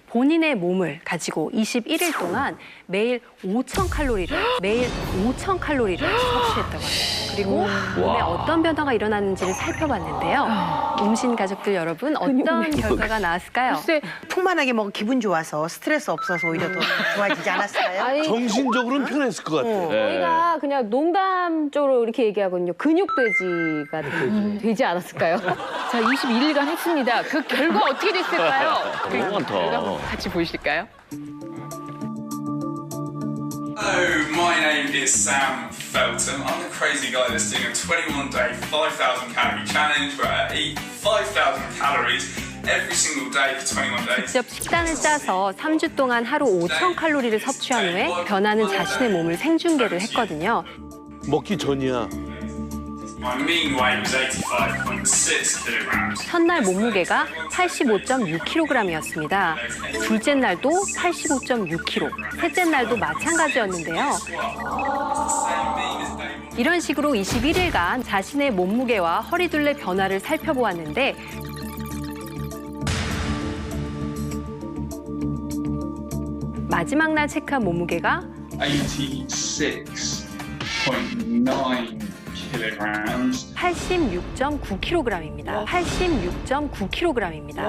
본인의 몸을 가지고 21일 동안 매일 5,000칼로리를 섭취했다고 합니다. 그리고 몸에 어떤 변화가 일어나는지를 살펴봤는데요. 음신 가족들 여러분, 어떤 결과가 나왔을까요? 글쎄, 풍만하게 먹어 기분 좋아서 스트레스 없어서 오히려 더 좋아지지 않았을까요? 아니, 정신적으로는 편했을 것 같아요. 저희가 그냥 농담적으로 이렇게 얘기하거든요. 근육돼지가 되지 않았을까요? 자, 21일간 했습니다. 그 결과 어떻게 됐을까요? 너무 많다. 결과 같이 보실까요? Hello, my name is Sam Felton. I'm the crazy guy that's doing a 21-day, 5,000 calorie challenge where I eat 5,000 calories every single day for 21 days. 직접 식단을 짜서 3주 동안 하루 5,000칼로리를 섭취한 후에 변하는 자신의 몸을 생중계를 했거든요. 먹기 전이야. My mean weight was 85.6 kilograms. 첫날 몸무게가 85.6kg이었습니다. 둘째 날도 85.6kg, 셋째 날도 마찬가지였는데요. 이런 식으로 21일간 자신의 몸무게와 허리둘레 변화를 살펴보았는데 마지막 날 체크한 몸무게가 86.9 kilograms. 86.9kg입니다. 86.9kg입니다.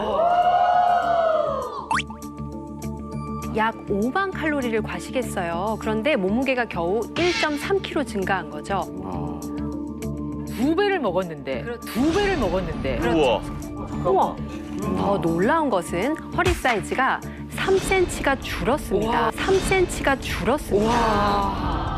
약 5만 칼로리를 과식했어요. 그런데 몸무게가 겨우 1.3kg 증가한 거죠. 2배를 먹었는데, 2배를 먹었는데. 우와. 우와. 더 놀라운 것은 허리 사이즈가 3cm가 줄었습니다. 3cm가 줄었습니다. 와.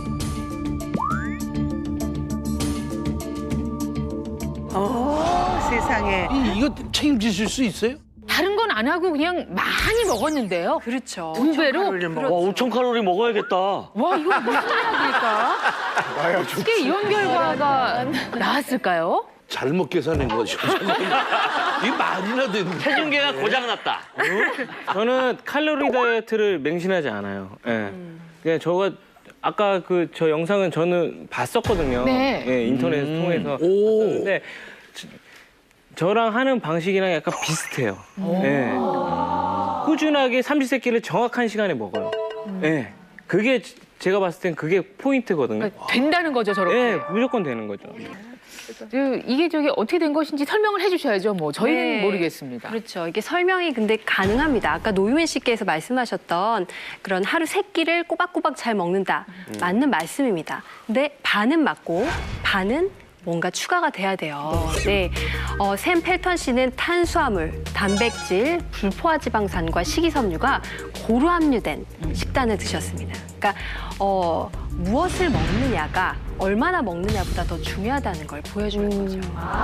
세상에. 이거 책임지실 수 있어요? 다른 건 안 하고 그냥 많이 먹었는데요. 그렇죠. 2배로? 와, 5,000칼로리 먹어야겠다. 와, 이거 무슨 약일까? 어떻게 이런 결과가 나왔을까요? 잘못 계산한 거죠. 이 말이나 되는. 체중계가 고장났다. 저는 칼로리 다이어트를 맹신하지 않아요. 예. 그냥 저가 아까 그 저 영상은 저는 봤었거든요. 네. 예, 인터넷 통해서 오. 봤는데 저랑 하는 방식이랑 약간 비슷해요. 예. 꾸준하게 삼시세끼를 정확한 시간에 먹어요. 예. 그게 제가 봤을 땐 그게 포인트거든요. 그러니까 된다는 거죠, 저렇게. 예, 무조건 되는 거죠. 이게 저기 어떻게 된 것인지 설명을 해주셔야죠. 뭐 저희는 네. 모르겠습니다. 그렇죠. 이게 설명이 근데 가능합니다. 아까 노유민 씨께서 말씀하셨던 그런 하루 세 끼를 꼬박꼬박 잘 먹는다. 맞는 말씀입니다. 근데 반은 맞고 반은 뭔가 추가가 돼야 돼요. 네, 샘 펠턴 씨는 탄수화물, 단백질, 불포화지방산과 식이섬유가 고루 함유된 식단을 드셨습니다. 그러니까 무엇을 먹느냐가 얼마나 먹느냐보다 더 중요하다는 걸 보여주는 거죠.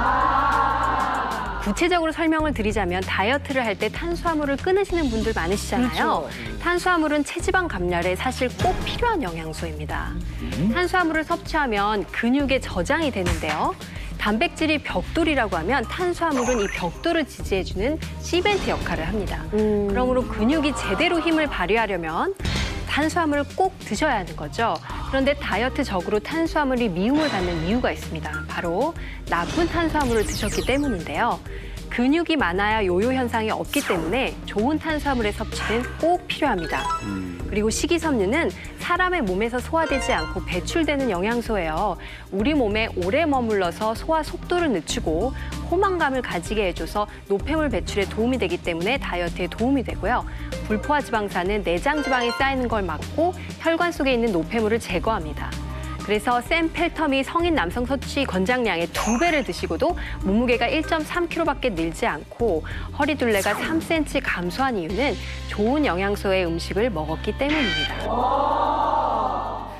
구체적으로 설명을 드리자면 다이어트를 할 때 탄수화물을 끊으시는 분들 많으시잖아요. 탄수화물은 체지방 감량에 사실 꼭 필요한 영양소입니다. 탄수화물을 섭취하면 근육에 저장이 되는데요. 단백질이 벽돌이라고 하면 탄수화물은 이 벽돌을 지지해주는 시멘트 역할을 합니다. 그러므로 근육이 제대로 힘을 발휘하려면 탄수화물을 꼭 드셔야 하는 거죠. 그런데 다이어트적으로 탄수화물이 미움을 받는 이유가 있습니다. 바로 나쁜 탄수화물을 드셨기 때문인데요. 근육이 많아야 요요 현상이 없기 때문에 좋은 탄수화물의 섭취는 꼭 필요합니다. 그리고 식이섬유는 사람의 몸에서 소화되지 않고 배출되는 영양소예요. 우리 몸에 오래 머물러서 소화 속도를 늦추고 포만감을 가지게 해줘서 노폐물 배출에 도움이 되기 때문에 다이어트에 도움이 되고요. 불포화지방산은 내장 지방이 쌓이는 걸 막고 혈관 속에 있는 노폐물을 제거합니다. 그래서 샘 펠텀이 성인 남성 섭취 권장량의 2배를 드시고도 몸무게가 1.3kg밖에 늘지 않고 허리둘레가 3cm 감소한 이유는 좋은 영양소의 음식을 먹었기 때문입니다.